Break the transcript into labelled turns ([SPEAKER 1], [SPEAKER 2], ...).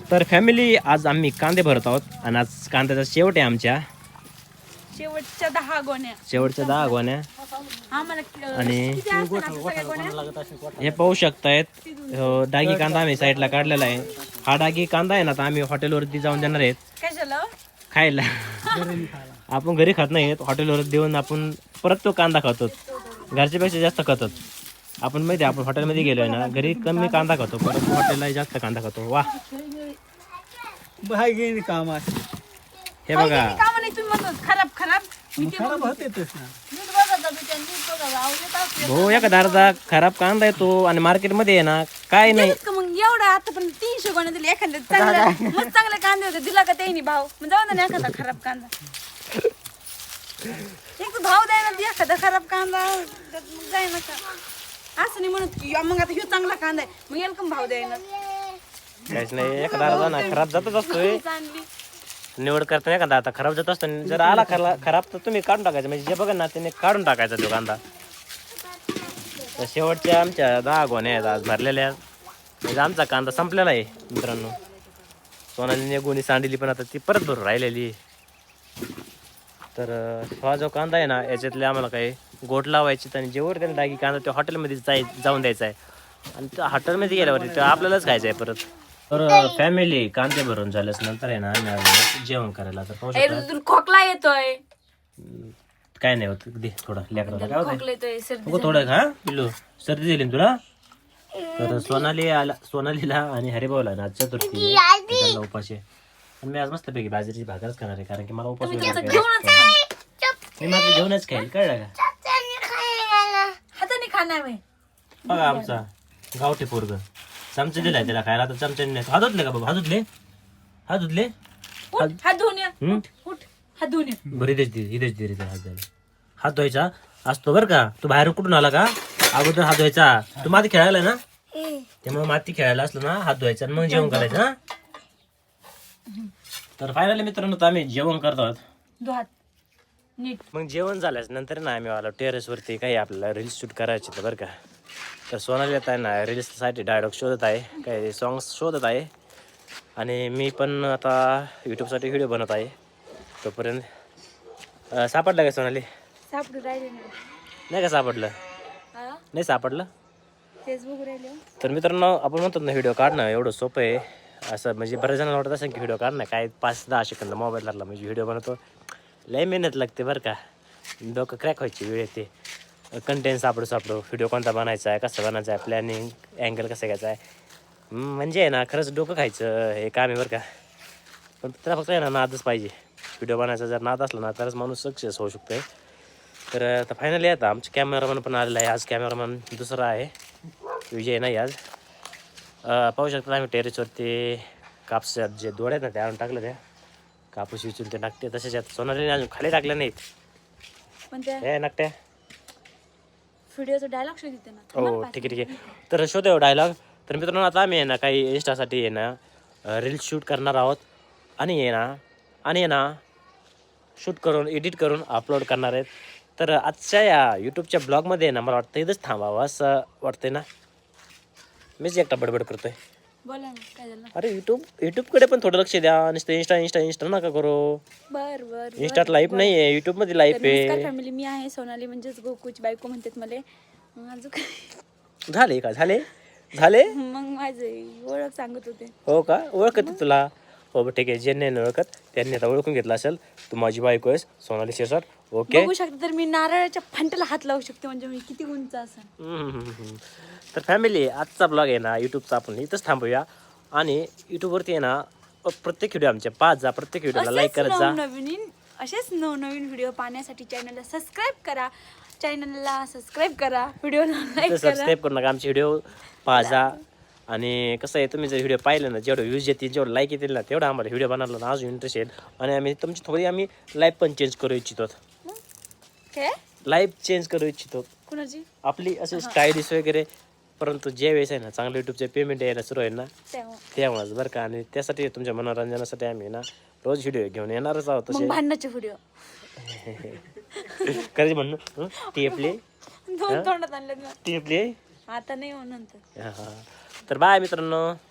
[SPEAKER 1] तर फॅमिली आज आम्ही कांदे भरत आहोत आणि आज कांद्याचा शेवट आहे आमच्या
[SPEAKER 2] शेवटच्या 10 गोण्या.
[SPEAKER 1] शेवटच्या 10 गोण्या. आणि हे पाहू शकतायत डागी कांदा आम्ही साईडला काढलेला आहे. हा डागी कांदा आहे ना तर आम्ही हॉटेलवरती जाऊन देणार आहेत खायला. आपण घरी खात नाहीत, हॉटेलवर देऊन आपण परत तो कांदा खातो. घरच्यापेक्षा जास्त खातो आपण. माहिती आहे आपण हॉटेलमध्ये गेलोय ना, घरी कमी कांदा खातो परत हॉटेलला जास्त कांदा खातो. वा
[SPEAKER 3] काम
[SPEAKER 1] हे बघा हो, एका अर्धा खराब कांदा येतो आणि मार्केटमध्ये आहे ना काय नाही.
[SPEAKER 2] मग एवढा आता पण 300 गोण्या दिले. एखाद्या चांगले कांदे होते दिला का त्यांनी भाव, मग जाऊ ना एखादा खराब कांदा. एक तर भाव द्यायला एखादा खराब कांदा जाय ना का असं नाही म्हणत की मग आता ह्यो चांगला कांदा आहे मग याला कम भाव द्यायला
[SPEAKER 1] काहीच नाही. एखादा अर्धा ना खराब जातच असतोय. निवड करताना एखादा आता खराब जात असतो. जर आला खराब तर तुम्ही काढून टाकायचं. म्हणजे जे बघा ना त्याने काढून टाकायचा तो कांदा. तर शेवटच्या आमच्या 10 गोण्या आहेत आज भरलेल्या. म्हणजे आमचा कांदा संपलेला आहे मित्रांनो. सोनालीने गोणी सांडली पण आता ती परत भरून राहिलेली. तर हा जो कांदा आहे ना याच्यातले आम्हाला काही गोट लावायचे आणि जेवढ त्याने डागी कांदा ते हॉटेलमध्ये जाऊन द्यायचा आहे. आणि त्या हॉटेलमध्ये गेल्यावरती ते आपल्यालाच खायचं आहे परत. तर फॅमिली कांदे भरून झाल्यास नंतर आहे ना आम्ही जेवण करायला. तर पाहू शकता
[SPEAKER 2] खोकला येतोय.
[SPEAKER 1] काय नाही होत. दे थोडं लेकराला काय
[SPEAKER 2] खोकला येतोय
[SPEAKER 1] होतं थोडं. हा पिल्लू सर्दी झाली ना तुला. तर सोनालीला आणि हरिभाऊला ना चतुर्थी त्याला उपास आहे. आणि मी आज मस्तपैकी बाजरीची भाकरच खाणार आहे कारण की मला उपास मी माझं घेऊनच खाईल. कळलं का
[SPEAKER 2] हाताने खाणार
[SPEAKER 1] बघा आमचा गावठी पोरग चमचे दिलाय त्याला खायला. तर चमच्याने नाही. हात धुतले का बाबा? हात धुतले
[SPEAKER 2] हात धुवून या. हात धुवून या.
[SPEAKER 1] बरी देश दे रे हात द्यायला. हात धुवायचा असतो बरं का. तू बाहेरून कुठून आला का अगोदर हात धुवायचा. तू माती खेळायला ना त्यामुळे माती खेळायला असलं ना हात धुवायचा आणि मग जेवण करायचं. हा तर फायनली मित्रांनो आम्ही जेवण करतो. मग जेवण झाल्यास नंतर ना आम्ही आलो टेरेसवरती. काही आपल्याला रील्स शूट करायचे तर बरं का. तर सोनाली येत आहे ना रील्ससाठी डायलॉग शोधत आहे, काही सॉंग्स शोधत आहे. आणि मी पण आता यूट्यूबसाठी व्हिडिओ बनवत आहे. तोपर्यंत सापडलं का सोनाली?
[SPEAKER 2] सापडू राहिले
[SPEAKER 1] नाही का सापडलं? नाही सापडलं.
[SPEAKER 2] फेसबुक राहिले.
[SPEAKER 1] तर मित्रांनो आपण म्हणतो ना व्हिडिओ काढणं एवढं सोपं आहे असं. म्हणजे बऱ्याच जणांना वाटत असेल की व्हिडिओ काढणं काय 5-10 सेकंद मोबाईल लागला म्हणजे व्हिडिओ बनवतो. लय मेहनत लागते बरं का. डोकं क्रॅक व्हायची वेळ येते. कंटेंट सापडू व्हिडिओ कोणता बनायचा आहे, कसं बनायचं आहे, प्लॅनिंग अँगल कसं घ्यायचं आहे. म्हणजे आहे ना खरंच डोकं खायचं हे काम आहे बरं का. पण त्याला फक्त आहे ना नादच पाहिजे. व्हिडिओ बनायचा जर नाद असला ना तरच माणूस सक्सेस होऊ शकतो आहे. तर आता फायनली आता आमचे कॅमेरामॅन पण आलेला आहे. आज कॅमेरामॅन दुसरा आहे, विजय नाही आज. पाहू शकता आम्ही टेरेसवरती कापसात जे दोड आहेत ना ते आणून टाकलं. त्या कापूस विचून ते टाकते तसेच आता सोनालीने अजून खाली टाकलं नाहीत. हे नाकट्या
[SPEAKER 2] व्हिडिओचा डायलॉग शोधते ना.
[SPEAKER 1] हो ठीक आहे तर शोधेव डायलॉग. तर मित्रांनो आता आम्ही आहे ना काही इंस्टासाठी आहे ना रील्स शूट करणार आहोत. आणि आहे ना शूट करून एडिट करून अपलोड करणार आहेत. तर आजच्या या यूट्यूबच्या ब्लॉगमध्ये आहे ना मला वाटतं इथंच थांबावं असं वाटतंय ना. मीच एकटा बडबड करतोय.
[SPEAKER 2] बोला ना काय झालं.
[SPEAKER 1] अरे यूट्यूबकडे पण थोडं लक्ष द्या. नुसतं इंस्टा नका करू.
[SPEAKER 2] बर
[SPEAKER 1] इंस्टात लाईव्ह नाही आहे, यूट्यूबमध्ये लाईव्ह आहे.
[SPEAKER 2] फॅमिली मी आहे सोनाली म्हणजेच गोकुची बायको म्हणतात मला.
[SPEAKER 1] झाले
[SPEAKER 2] मग माझे ओळख सांगत होते.
[SPEAKER 1] हो का? ओळखते तुला? हो ठीक आहे. ज्यांनी नाही ओळखत त्यांनी आता ओळखून घेतलं असेल. तू माझी बायको आहेस सोनाली शिरसाट. ओके
[SPEAKER 2] बघू शकता तर मी नारळाच्या फांट्याला हात लावू शकते म्हणजे मी किती उंच असेल.
[SPEAKER 1] तर फॅमिली आजचा ब्लॉग आहे ना यूट्यूबचा आपण इथंच थांबूया. आणि यूट्यूबवरती आहे ना प्रत्येक व्हिडिओ आमच्या 5 प्रत्येक व्हिडिओला लाईक करत जा.
[SPEAKER 2] असेच नवनवीन व्हिडिओ पाहण्यासाठी चॅनलला सबस्क्राईब करा. व्हिडिओला लाईक करा.
[SPEAKER 1] सबस्क्राईब करू नका. आमचे व्हिडिओ पाहा. आणि कसं आहे तुम्ही जर व्हिडिओ पाहिले ना जेवढं व्ह्यूज येतील जेवढं लाईक येतील ना तेवढं आम्हाला व्हिडिओ बनवला ना अजून इंटरेस्ट येईल. आणि आम्ही तुमची थोडी लाईफ पण चेंज करू इच्छितो. लाईफ चेंज करू इच्छितो
[SPEAKER 2] कुणाची?
[SPEAKER 1] आपली असं स्टायलिश वगैरे. परंतु जे वेळेस आहे ना चांगलं यूट्यूबचे पेमेंट यायला सुरू आहे ना तेव्हाच बरं का. आणि त्यासाठी तुमच्या मनोरंजनासाठी आम्ही ना रोज व्हिडिओ घेऊन येणारच आहोत. तसे
[SPEAKER 2] भांडणाचे व्हिडिओ
[SPEAKER 1] कधी म्हणू टेपले
[SPEAKER 2] तोंडात आणले
[SPEAKER 1] टेपले
[SPEAKER 2] आता नाही म्हणून.
[SPEAKER 1] तर बाय मित्रांनो.